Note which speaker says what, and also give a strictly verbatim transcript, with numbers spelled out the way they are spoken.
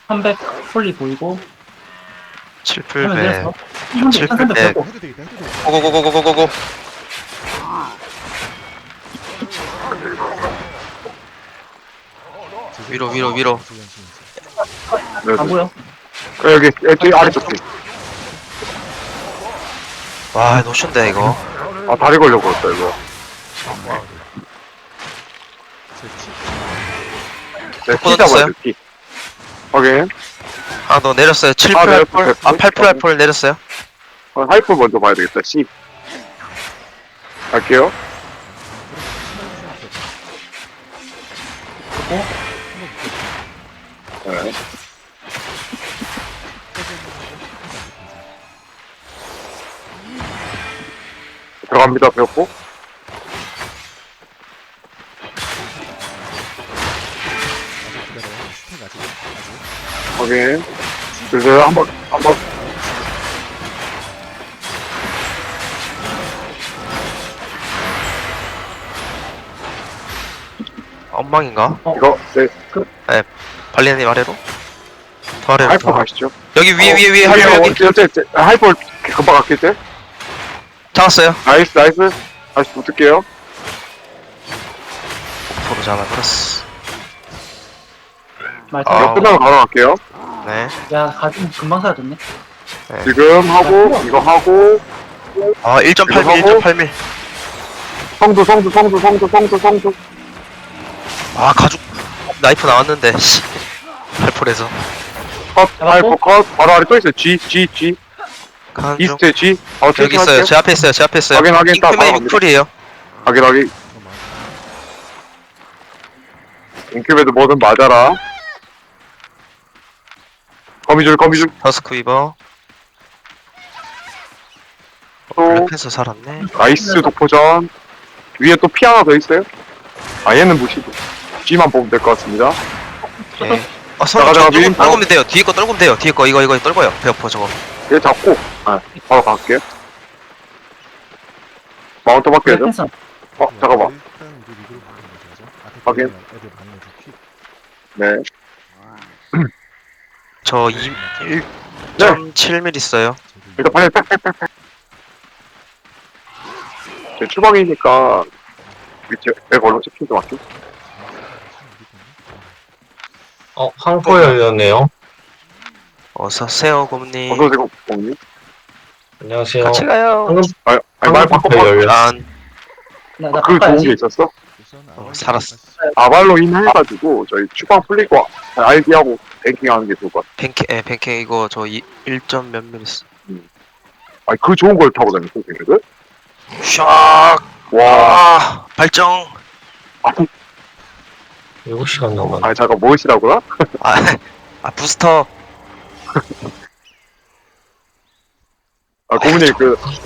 Speaker 1: 삼백 폴리 보이고 하면
Speaker 2: 칠풀백
Speaker 1: 내렸어. 천삼백
Speaker 2: 칠백.
Speaker 1: 고
Speaker 3: 해도 되겠다, 해도 되겠다.
Speaker 2: 고고고고고고고. 위로 위로 위로.
Speaker 1: 안 보여.
Speaker 4: 여기 여기 아래쪽 뒤.
Speaker 2: 와 노션데 이거.
Speaker 4: 아 다리 걸려 버렸다 이거. 네, 피
Speaker 2: 꽂아놨어요?
Speaker 4: 잡아야 돼 피. 확인.
Speaker 2: 아 너 내렸어요.
Speaker 4: 아,
Speaker 2: 칠풀
Speaker 4: 내렸어.
Speaker 2: 알폴. 아 팔풀 알폴 내렸어요.
Speaker 4: 어, 하이프 먼저 봐야 되겠다. C. 갈게요. 네. 들어갑니다. 배웠고. 확인. 그래서 한번 한번
Speaker 2: 엉망인가?
Speaker 4: 이거 네.
Speaker 2: 발리님 아래로? 더 아래로.
Speaker 4: 하이프
Speaker 2: 더.
Speaker 4: 가시죠.
Speaker 2: 여기 위에
Speaker 4: 어,
Speaker 2: 위에 위에
Speaker 4: 이게
Speaker 2: 할로 여기.
Speaker 4: 어, 어째, 어째, 하이프 금방 갈게 때.
Speaker 2: 잡았어요.
Speaker 4: 나이스 나이스. 다시 붙을게요.
Speaker 2: 도로 잡아버렸어.
Speaker 1: 말타.
Speaker 2: 아.
Speaker 4: 이거 끝나고 바로 갈게요.
Speaker 2: 네.
Speaker 1: 야 가지고 금방 사라졌네.
Speaker 4: 지금 하고 이거 하고
Speaker 2: 아 일 점 팔 밀
Speaker 4: 이거
Speaker 2: 일 점 팔 밀.
Speaker 4: 성두 성두 성두 성두 성두 성두.
Speaker 2: 아 가죽 나이프 나왔는데 씨. 팔풀에서.
Speaker 4: 컷, 하이프 컷, 바로 아래 또 있어요. G, G, G.
Speaker 2: 가는 중.
Speaker 4: 이스트에 G. 어,
Speaker 2: 여기 있어요. 제 앞에 있어요. 제 앞에 있어요.
Speaker 4: 확인, 확인, 딱
Speaker 2: 잉크맨
Speaker 4: 바로
Speaker 2: 육 풀이에요.
Speaker 4: 확인, 확인. 인큐베도 뭐든 맞아라. 거미줄, 거미줄.
Speaker 2: 더스크 위버.
Speaker 4: 또,
Speaker 2: 블랙팬서 살았네.
Speaker 4: 나이스 독포전. 위에 또 피 하나 더 있어요. 아, 얘는 무시고. G만 보면 될 것 같습니다.
Speaker 2: 예. 아,
Speaker 4: 잠깐,
Speaker 2: 서로
Speaker 4: 잠깐,
Speaker 2: 떨,
Speaker 4: 미림
Speaker 2: 떨구면 돼요. 뒤에 거 떨구면 돼요. 뒤에 거 이거 이거 떨궈요. 배어퍼 저거.
Speaker 4: 얘 잡고, 아, 바로 갈게요. 마운트 바뀌어야죠.
Speaker 1: 펜스.
Speaker 4: 어, 잠깐만. 확인. 네.
Speaker 2: 저 이, 일 점 칠 밀 있어요.
Speaker 4: 일단 빨리 빽빽빽빽. 제 추방이니까 밑에 애 걸로 체킹 좀 할게.
Speaker 5: 어, 항포 열렸네요.
Speaker 2: 어서 오세요, 곰님.
Speaker 4: 어서 오세요, 공님.
Speaker 5: 안녕하세요.
Speaker 2: 같이 가요.
Speaker 5: 방금
Speaker 4: 아, 아니, 말 바꿔.
Speaker 5: 항포 열렸.
Speaker 2: 난
Speaker 1: 나나
Speaker 4: 그 좋은 게
Speaker 1: 바꿔야지.
Speaker 4: 있었어?
Speaker 2: 어, 살았어.
Speaker 4: 아발로 인해가지고 저희 추방 풀리고 아이디하고 뱅킹하는 게 좋을 것 같아.
Speaker 2: 팬케, 예, 팬케 이거 저 일 점 몇 밀 있어.
Speaker 4: 아니 그 좋은 걸 타고 다니는 선생님들?
Speaker 2: 샥!
Speaker 4: 와,
Speaker 2: 아, 발정!
Speaker 4: 아,
Speaker 5: 일곱 시간 넘었네.
Speaker 4: 아니 잠깐 무엇이라고요?
Speaker 2: 아, 아 부스터!
Speaker 4: 아 고문님 그